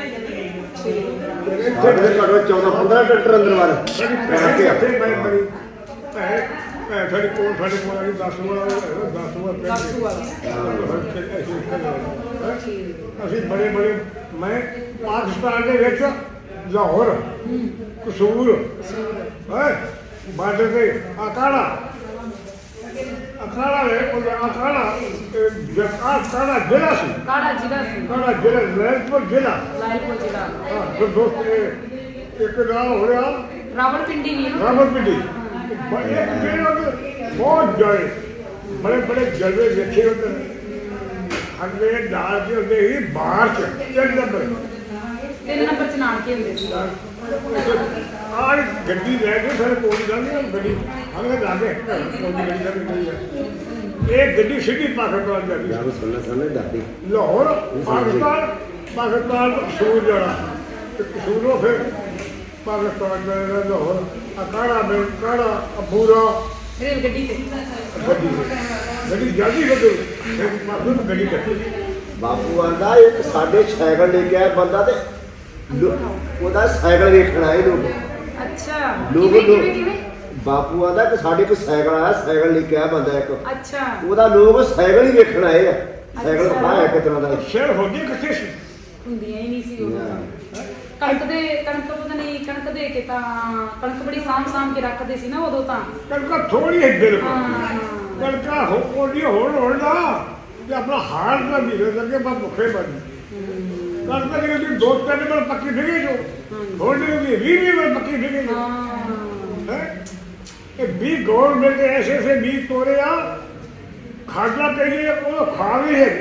[SPEAKER 3] ਸਾਡੇ ਘੜਵਾ ਚੌਦਾਂ ਪੰਦਰਾਂ ਟਰੈਕਟਰ ਅੰਦਰ ਵਾਰ
[SPEAKER 2] ਸਾਡੀ ਇੱਥੇ ਮੈਂ ਬੜੀ ਭੈ ਭੈ ਸਾਡੀ ਕੋਲ ਸਾਡੇ ਕੋਲ ਆ ਗਈ ਦਸ ਵਾਲਾ ਦਸ ਵਾਲਾ
[SPEAKER 1] ਦਸ ਵਾਲਾ।
[SPEAKER 2] ਅਸੀਂ ਬੜੇ ਬੜੇ ਮੈਂ ਪਾਕਿਸਤਾਨ ਦੇ ਵਿੱਚ ਲਾਹੌਰ ਕਸੂਰ ਹੈ ਬਾਰਡਰ ਤੇ ਅਕਾੜਾ ਅਕਾੜਾ ਵੇ ਉਹ ਅਕਾੜਾ ਜਕਾ ਅਕਾੜਾ ਜ਼ਿਲ੍ਹਾ ਸੀ
[SPEAKER 1] ਕਾੜਾ ਜ਼ਿਲ੍ਹਾ ਸੀ
[SPEAKER 2] ਅਕਾੜਾ ਜ਼ਿਲ੍ਹਾ ਲੈਲਪੁਰ ਜ਼ਿਲ੍ਹਾ
[SPEAKER 1] ਲਾਇਲਪੁਰ ਜ਼ਿਲ੍ਹਾ
[SPEAKER 2] ਹਾਂ ਜੋ ਦੋਸਤ ਇਹ ਇੱਕ ਨਾਮ ਹੋ ਰਿਹਾ
[SPEAKER 1] ਰਾਵਲਪਿੰਡੀ ਨਹੀਂ ਨਾ
[SPEAKER 2] ਰਾਵਲਪਿੰਡੀ ਬੜੇ ਜਿਹੜੇ ਬਹੁਤ ਜੜੇ ਬੜੇ ਬੜੇ ਜਲਵੇ ਵੇਖੇ ਹੁੰਦੇ ਅਗਲੇ ਨਾਲ ਦੇ ਹੁੰਦੇ ਹੀ ਬਾਹਰ ਚ ਤਿੰਨ ਨੰਬਰ
[SPEAKER 1] ਤਿੰਨ ਨੰਬਰ ਚ ਨਾਨਕੇ ਹੁੰਦੇ ਸੀ
[SPEAKER 2] ਆਹ ਗੱਡੀ ਲੈ ਕੇ ਸਾਰੇ ਕੋਲ ਜਾਂਦੇ ਗੱਡੀ ਹਮੇ ਲਾਗੇ ਕੋਈ ਗੱਡੀ ਦਾ ਨਹੀਂ ਹੈ ਇਹ ਗੱਡੀ ਸਿੱਧੀ ਪਾਕਿਸਤਾਨ ਜਾਂਦੀ
[SPEAKER 3] ਯਾਰ ਸੁਣਨਾ ਸੁਣਨਾ ਦਾਦੀ
[SPEAKER 2] ਲਾਹੌਰ ਪਾਕਿਸਤਾਨ ਪਾਕਿਸਤਾਨ ਕਸੂਰ ਜਾਣਾ ਤੇ ਕਸੂਰੋਂ ਫਿਰ ਪਾਕਿਸਤਾਨ ਜਾਣਾ ਲਾਹੌਰ ਅਕਾੜਾ ਮੈਂ ਕਾੜਾ ਅਬੂਰਾ
[SPEAKER 1] ਰੇਲ ਗੱਡੀ ਤੇ
[SPEAKER 2] ਗੱਡੀ ਗੱਡੀ ਜਾਂਦੀ ਗੱਡੀ ਫਿਰ ਮਾਫੀ ਗੱਡੀ ਕੱਟੀ
[SPEAKER 3] ਬਾਪੂ ਆਂਦਾ ਇੱਕ ਸਾਡੇ ਸਾਈਕਲ ਲੈ ਕੇ ਆਇਆ ਬੰਦਾ ਤੇ ਲੋ- ਉਹਦਾ ਸਾਈਕਲ ਵੇਖਣ ਆਏ ਲੋਕ
[SPEAKER 1] ਅੱਛਾ
[SPEAKER 3] ਲੋਕ
[SPEAKER 1] ਕਿਵੇਂ ਕਿਵੇਂ ਕਿਵੇਂ
[SPEAKER 3] ਬਾਪੂ ਆਂਦਾ ਕਿ ਸਾਡੇ ਕੋਲ ਸਾਈਕਲ ਆਇਆ ਸਾਈਕਲ ਲੈ ਕੇ ਆਇਆ ਬੰਦਾ ਇੱਕ
[SPEAKER 1] ਅੱਛਾ
[SPEAKER 3] ਉਹਦਾ ਲੋਕ ਸਾਈਕਲ ਹੀ ਵੇਖਣ ਆਏ ਆ ਸਾਈਕਲ
[SPEAKER 1] ਅੱਛਾ।
[SPEAKER 3] ਦਿਖਾਇਆ ਇੱਕ ਤਰ੍ਹਾਂ ਦਾ
[SPEAKER 2] ਸ਼ੇਰ ਹੁੰਦੀ ਕਿੱਥੇ ਸੀ
[SPEAKER 1] ਹੁੰਦੀਆਂ ਹੀ ਨਹੀਂ ਸੀ ਉਹ
[SPEAKER 3] ਹਾਂ।
[SPEAKER 1] ਕਣਕ ਦੇ ਕਣਕ ਪਤਾ ਨਹੀਂ ਕਣਕ ਦੇ ਕੇ ਤਾਂ ਕਣਕ ਬੜੀ ਸਾਂਭ ਸਾਂਭ ਕੇ ਰੱਖਦੇ ਸੀ ਨਾ ਉਦੋਂ ਤਾਂ
[SPEAKER 2] ਕਣਕਾਂ ਥੋੜੀ ਹੈ ਬਿਲਕੁਲ
[SPEAKER 1] ਹਾਂ
[SPEAKER 2] ਕਣਕਾਂ ਹੋ ਕੋਡੀ ਹੋਣ ਹੋਣ ਨਾ ਤੇ ਆਪਣਾ ਹਾਰ ਦਾ ਵੀਰੇ ਲੱਗੇ ਬਾ ਭੁੱਖੇ ਬਣ ਕਣਕਾਂ ਦੀ ਜਿਹੜੀ ਦੋ ਤਿੰਨ ਵਾਰ ਪੱਕੀ ਫਿਗੇ ਜੋ ਹੁਣ ਦੀ ਵੀਹ ਵੀਹ ਵਾਰ ਪੱਕੀ ਫਿਗੇ ਜੋ
[SPEAKER 1] ਹਾਂ
[SPEAKER 2] ਹੈ ਇਹ ਵੀ ਗਵਰਨਮੈਂਟ ਦੇ ਐਸੇ ਐਸੇ ਵੀ ਤੋਰੇ ਆ ਖਾਦਾ ਕਹੀਏ ਉਹ ਖਾ ਵੀ ਹੈ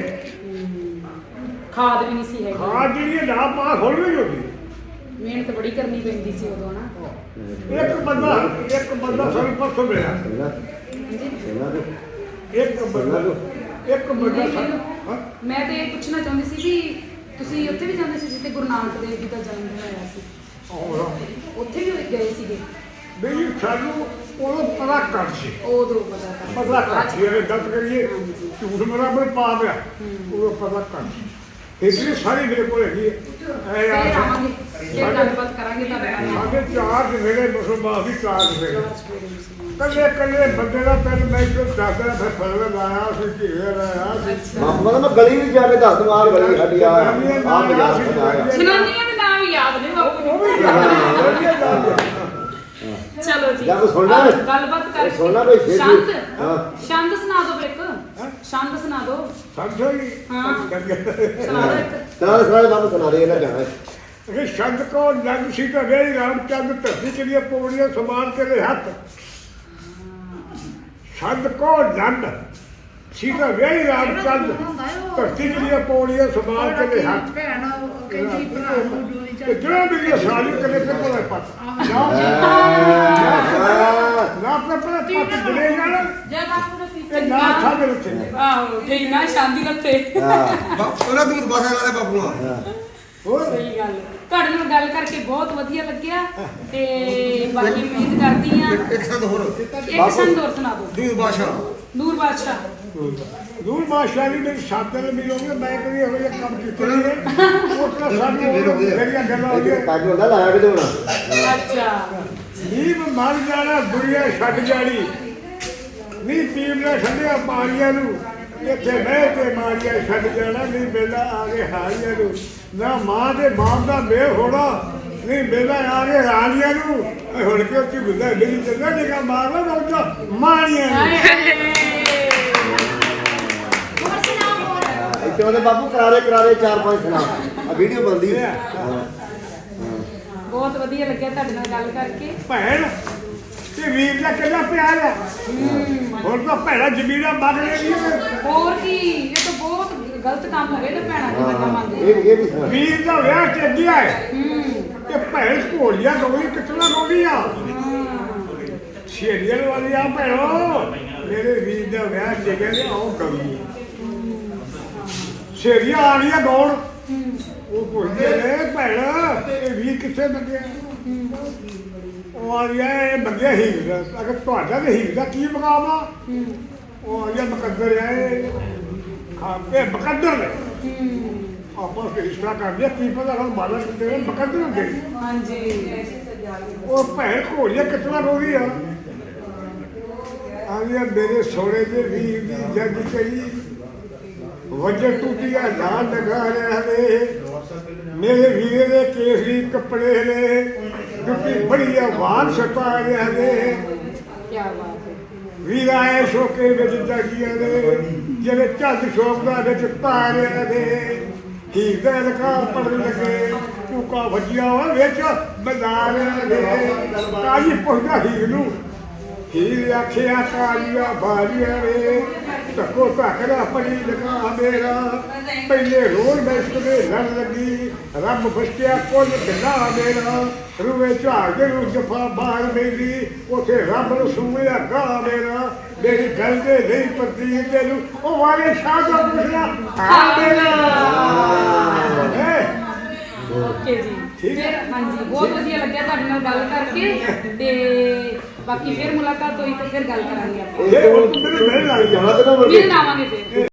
[SPEAKER 1] ਖਾਦ ਵੀ ਨਹੀਂ ਸੀ ਹੈਗੀ
[SPEAKER 2] ਖਾਦ ਜਿਹੜੀ ਹੈ ਨਾ ਪਾ ਖੋਲ ਵੀ ਹੁੰਦੀ
[SPEAKER 1] ਮਿਹਨਤ ਬੜੀ ਕਰਨੀ ਪੈਂਦੀ ਸੀ ਉਦੋਂ ਨਾ
[SPEAKER 2] ਇੱਕ ਬੰਦਾ ਇੱਕ ਬੰਦਾ ਸਾਨੂੰ ਪਰਸੋਂ ਮਿਲਿਆ
[SPEAKER 3] ਇਹਨਾਂ ਇਹਨਾਂ ਦੇ
[SPEAKER 2] ਇੱਕ ਬੰਦਾ ਇੱਕ ਬੰਦਾ
[SPEAKER 1] ਨਹੀਂ,
[SPEAKER 2] ਸਾਨੂੰ ਹਾਂ
[SPEAKER 1] ਮੈਂ ਤੇ ਇਹ ਪੁੱਛਣਾ ਚਾਹੁੰਦੀ ਸੀ ਵੀ ਤੁਸੀਂ ਉੱਥੇ ਵੀ ਜਾਂਦੇ ਸੀ ਜਿੱਥੇ ਗੁਰੂ ਨਾਨਕ ਦੇਵ ਜੀ ਦਾ ਜਨਮ ਦਿਨ ਹੋਇਆ ਸੀ
[SPEAKER 2] ਔਰ
[SPEAKER 1] ਉੱਥੇ ਵੀ ਗਏ ਸੀਗੇ
[SPEAKER 2] ਬਈ ਸਾਨੂੰ ਉਹ ਪਤਾ ਕਰ ਸੀ
[SPEAKER 1] ਉਦੋਂ ਪਤਾ ਕਰ
[SPEAKER 2] ਪਤਾ ਕਰ ਸੀ ਇਹ ਗਲਤ ਕਰੀਏ ਝੂਠ ਬਰਾਬਰ ਪਾ ਪਿਆ ਉਹ ਪਤਾ ਕਰ ਸੀ ਇਸਲੀ ਸਾਰੀ ਮੇਰੇ ਕੋਲ ਹੈਗੀ ਹੈ ਐ
[SPEAKER 1] ਫੇਰ
[SPEAKER 2] ਯਾਰ
[SPEAKER 1] ਆਵਾਂਗੇ ਫੇਰ ਗੱਲਬਾਤ ਕਰਾਂਗੇ ਤੁਹਾਡੇ ਨਾਲ
[SPEAKER 2] ਸਾਡੇ ਚਾਰ ਜਿਹੜੇ ਮੁਸਲਮਾਨ ਵੀ ਚਾਰ ਜਿਹੜੇ ਕੱਲੇ ਕੱਲੇ ਬੰਦੇ ਦਾ ਪਹਿਲ ਮੈਂ ਜੋ ਦੱਸਦਾ ਫਿਰ ਫਰਕ ਲਾਇਆ ਸੀ ਘੇਰੇ ਲਾਇਆ ਸੀ
[SPEAKER 3] ਬਾਪੂ ਕਹਿੰਦਾ ਮੈਂ ਗਲੀ ਵਿੱਚ ਜਾ ਕੇ ਦੱਸ ਦਵਾਂ ਗਲੀ ਸਾਡੀ ਆ ਆ ਬਾਜ਼ਾਰ ਸਜਾਇਆ
[SPEAKER 1] ਜਨਾਨੀਆਂ ਦੇ ਨਾਮ ਯਾਦ ਨੇ ਬਾਪੂ
[SPEAKER 2] ਉਹ
[SPEAKER 1] ਨੂੰ
[SPEAKER 2] ਵੀ ਯਾਦ
[SPEAKER 1] ਚਲੋ ਜੀ
[SPEAKER 3] ਜਾਂ ਕੋਈ ਸੁਣਨਾ
[SPEAKER 1] ਆਹ,
[SPEAKER 3] ਹੈ?
[SPEAKER 1] ਗੱਲਬਾਤ ਕਰਕੇ
[SPEAKER 3] ਸੁਣਨਾ ਕੋਈ ਫਿਰ ਵੀ?
[SPEAKER 1] ਸ਼ਾਂਤ
[SPEAKER 3] ਹਾਂ।
[SPEAKER 1] ਸ਼ਾਂਤ ਸੁਣਾ ਦਿਓ ਫਿਰ ਇੱਕ ਸ਼ਾਂਤ ਸੁਣਾ ਦਿਓ
[SPEAKER 2] ਸਮਝੋ ਜੀ
[SPEAKER 1] ਹਾਂ। ਸੁਣਾ ਦਿਓ ਇੱਕ
[SPEAKER 3] ਤਾਂ ਸਾਰੇ ਬਾਪੂ ਸੁਣਾ ਦੇ ਇਹਨਾਂ ਜਾਣਾ
[SPEAKER 2] ਇਹ ਸ਼ਬਦ ਕੋ ਲੱਗ ਸੀ ਤਾਂ ਗਈ ਰਾਮਚੰਦ ਧਰਤੀ ਚ ਦੀਆਂ ਪੌੜੀਆਂ ਸਮਾਨ ਕੇ ਦੇ ਹੱਥ ਸ਼ਬਦ ਕੋ ਲੱਗ ਸੀ ਤਾਂ ਗਈ ਰਾਮਚੰਦ ਧਰਤੀ ਚ ਦੀਆਂ ਪੌੜੀਆਂ ਸਮਾਨ ਕੇ ਦੇ ਹੱਥ
[SPEAKER 4] ਭੈਣ ਕਹਿੰਦੀ ਭਰਾ ਨੂੰ ਜੋੜੀ
[SPEAKER 2] ਤੇ ਜਿਹੜਾ ਵੀ ਇਹ ਸਾਲੀ ਕਦੇ ਤੇ ਕੋਲੇ ਪੱਤ ਨਾ ਨਾ ਆਪਣੇ ਆਪਣੇ ਪੱਤ ਬਣੇ ਜਾਣ
[SPEAKER 1] ਜਦ ਬਾਪੂ ਨੇ
[SPEAKER 2] ਤੇ ਨਾ ਛੱਡ ਰੱਖੇ
[SPEAKER 1] ਆਹੋ ਠੀਕ ਨਾ ਸ਼ਾਂਤੀ ਰੱਖੇ
[SPEAKER 3] ਹਾਂ
[SPEAKER 5] ਬਾਪ ਉਹਨਾਂ ਨੂੰ ਬਾਹਰ ਵਾਲੇ ਬਾਪੂ ਨੂੰ
[SPEAKER 3] ਹਾਂ।
[SPEAKER 2] ਹੋਰ
[SPEAKER 1] ਸਹੀ ਗੱਲ ਹੈ। ਤੁਹਾਡੇ ਨਾਲ ਗੱਲ ਕਰਕੇ ਬਹੁਤ ਵਧੀਆ ਲੱਗਿਆ ਤੇ ਬਾਕੀ ਉਮੀਦ ਕਰਦੀ ਆ
[SPEAKER 5] ਇੱਕ ਸੰਦ ਹੋਰ
[SPEAKER 1] ਇੱਕ ਸੰਦ ਹੋਰ ਸੁਣਾ ਦਿਓ
[SPEAKER 5] ਦੂਰ ਬਾਸ਼ਾ
[SPEAKER 1] ਨੂਰ ਬਾਦਸ਼ਾਹ
[SPEAKER 2] ਦੂਰ ਬਾਦਸ਼ਾਹ ਜੀ ਮੇਰੇ ਸਾਥ ਨਾਲ ਮਿਲੋਗੇ ਮੈਂ ਕਦੀ ਇਹੋ ਜਿਹਾ ਕੰਮ ਕੀਤਾ ਨਹੀਂ ਹੈ ਉਹ ਤਾਂ ਸਾਨੂੰ ਮੇਰੀਆਂ ਗੱਲਾਂ ਹੋ
[SPEAKER 3] ਇਹ
[SPEAKER 2] ਗਈਆਂ
[SPEAKER 3] ਕੱਜ ਹੁੰਦਾ ਲਾਇਆ ਕਿਦੋਂ ਹੋਣਾ
[SPEAKER 1] ਅੱਛਾ
[SPEAKER 2] ਨੀਮ ਮਰ ਜਾਣਾ ਦੁਨੀਆ ਛੱਡ ਜਾਣੀ ਨੀ ਪੀਵਣਾ ਠੰਡਿਆ ਪਾਣੀਆਂ ਨੂੰ ਇੱਥੇ ਬਹਿ ਕੇ ਮਾਰੀਆਂ ਛੱਡ ਜਾਣਾ ਨਹੀਂ ਮੇਲਾ ਆ ਕੇ ਹਾਰੀਆਂ ਨੂੰ ਨਾ ਮਾਂ ਦੇ ਬਾਪ ਦਾ ਮੇਲ ਹੋਣਾ ਨਹੀਂ ਮੇਲਾ ਆ ਕੇ ਹਾਰੀਆਂ ਨੂੰ ਇਹ ਹੁਣ ਕਿ ਉੱਚੀ ਬੁੱਧਾ ਮੇਰੀ ਜਗ੍ਹਾ ਨਿਕਾ ਮਾਰਨਾ ਨਾ ਉੱਚਾ ਮਾਰੀਆਂ ਨੂੰ
[SPEAKER 1] ਹਾਏ ਹਾਏ
[SPEAKER 3] ਇੱਥੇ ਉਹਦੇ ਬਾਪੂ ਕਰਾਰੇ ਕਰਾਰੇ ਚਾਰ ਪੰਜ ਸੁਣਾ ਆ ਵੀਡੀਓ ਬਣਦੀ ਹੈ
[SPEAKER 1] ਬਹੁਤ ਵਧੀਆ ਲੱਗਿਆ ਤੁਹਾਡੇ ਨਾਲ ਗੱਲ ਕਰਕੇ
[SPEAKER 2] ਭੈਣ ਤੇ ਵੀਰ ਦਾ ਕਿੰਨਾ ਪਿਆਰ ਹੈ ਹੁਣ ਤਾਂ ਭੈਣਾ ਜ਼ਮੀਨਾਂ ਮੰਗ ਲੈਂਦੀਆਂ ਨੇ
[SPEAKER 1] ਹੋਰ ਕੀ ਇਹ ਤਾਂ ਬਹੁਤ ਗਲਤ ਕੰਮ ਹੋ ਗਿਆ ਤੇ ਭੈਣਾਂ ਦੀ ਮੱਤਾਂ ਮੰਗਦੇ
[SPEAKER 3] ਇਹ ਇਹ ਵੀ ਸੁਣਾ
[SPEAKER 2] ਵੀਰ ਦਾ ਵਿਆਹ ਤੇ ਅੱਗੇ ਹੈ
[SPEAKER 1] ਹੂੰ
[SPEAKER 2] ਤੇ ਭੈਣ ਘੋੜੀਆਂ ਗੋਲੀ ਕਿਤਨਾ ਗੋਲੀਆਂ ਸ਼ੇਰੀਆਂ ਵਾਲੀਆਂ ਭੈਣੋ ਮੇਰੇ ਵੀਰ ਦਾ ਵਿਆਹ ਤੇ ਕਹਿੰਦੇ ਆਓ ਗੋਲੀ ਸ਼ੇਰੀਆਂ ਆ ਰਹੀਆਂ ਗੌਣ ਉਹ ਪੁੱਛਦੇ ਨੇ ਭੈਣ ਇਹ ਵੀਰ ਕਿੱਥੇ ਮੰਗਿਆ ਉਹ ਆ ਗਿਆ ਇਹ ਮੰਗਿਆ ਹੀਰ ਦਾ ਅਗਰ ਤੁਹਾਡਾ ਤੇ ਹੀਰ ਦਾ ਕੀ ਮਕਾਮ ਆ ਉਹ ਆ ਗਿਆ ਮੁਕੱਦਰ ਹੈ ਖਾ ਕੇ ਮੁਕੱਦਰ ਨੇ ਆਪਾਂ ਫੈਸਲਾ ਕਰਦੇ ਕੀ ਪਤਾ ਹੁਣ ਮਾਲਾ ਕਿਤੇ ਨੇ ਮੁਕੱਦਰ ਹੁੰਦੇ ਨੇ।
[SPEAKER 1] ਹਾਂਜੀ
[SPEAKER 2] ਉਹ ਭੈਣ ਘੋੜੀਆਂ ਕਿਤਨਾ ਰੋਦੀ ਆ ਆ ਗਿਆ ਮੇਰੇ ਸੋਹਣੇ ਦੇ ਵੀਰ ਦੀ ਜੱਗ ਚੜੀ ਵਜਰ ਟੁੱਟੀਆਂ ਨਾਲ ਲਗਾ ਰਿਹਾ ਨੇ ਮੇਰੇ ਵੀਰੇ ਦੇ ਕੇਸਰੀ ਕੱਪੜੇ ਨੇ ਜੁੱਤੀ ਬੜੀ ਆਵਾਜ਼ ਛਪਾ ਰਿਹਾ ਨੇ
[SPEAKER 1] ਕੀ ਬਾਤ ਹੈ
[SPEAKER 2] ਵੀਰ ਆਏ ਸ਼ੋਕੇ ਵਿੱਚ ਜਾਗੀਆਂ ਨੇ ਜਿਹੜੇ ਝੱਜ ਸ਼ੋਕ ਦਾ ਵਿੱਚ ਪਾ ਰਿਹਾ ਨੇ ਹੀਰ ਦਾ ਲਕਾ ਪੜਨ ਲੱਗੇ ਟੂਕਾ ਵੱਜਿਆ ਵਾ ਵਿੱਚ ਬਜ਼ਾ ਰਿਹਾ ਨੇ ਕਾਜੀ ਪੁੱਛਦਾ ਹੀਰ ਨੂੰ ਹੀਰ ਆਖਿਆ ਕਾਲੀਆ ਬਾਲੀਆਂ ਰੇ ਧੱਕੋ ਧੱਕਦਾ ਪੜੀ ਲਗਾ ਮੇਰਾ ਪਹਿਲੇ ਰੋਲ ਬੈਸਟ ਦੇ ਲੜ ਲੱਗੀ ਰੱਬ ਫਸਕਿਆ ਕੁੱਲ ਕਿੰਨਾ ਮੇਰਾ ਰੂਵੇ ਝਾੜ ਦੇ ਨੂੰ ਜਫਾ ਬਾਹਰ ਮੇਰੀ ਉਥੇ ਰੱਬ ਨੂੰ ਸੁਣਿਆ ਗਾ ਮੇਰਾ ਮੇਰੀ ਗੱਲ ਦੇ ਨਹੀਂ ਪਰਦੀ ਤੈਨੂੰ ਉਹ ਵਾਲੇ ਸ਼ਾਹ ਦਾ ਪੁੱਛਣਾ ਆ ਮੇਰਾ
[SPEAKER 1] ਓਕੇ ਜੀ
[SPEAKER 2] ਠੀਕ ਹੈ।
[SPEAKER 1] ਫਿਰ ਹਾਂਜੀ ਬਹੁਤ ਵਧੀਆ ਲੱਗਿਆ ਤੁਹਾਡੇ ਨਾਲ ਗੱਲ ਕਰਕੇ ਤੇ ਬਾਕੀ ਫਿਰ ਮੁਲਾਕਾਤ ਹੋਈ ਤਾਂ ਫਿਰ ਗੱਲ ਕਰਾਂਗੇ ਆਪਾਂ
[SPEAKER 2] ਇਹ ਹੁਣ ਤੂੰ ਮੈਨੂੰ ਮਿਲਣ ਲੱਗ ਜਾ
[SPEAKER 3] ਜਾਣਾ ਤੇ ਨਾ
[SPEAKER 1] ਮਿਲਣ ਆਵਾਂਗੇ ਫਿਰ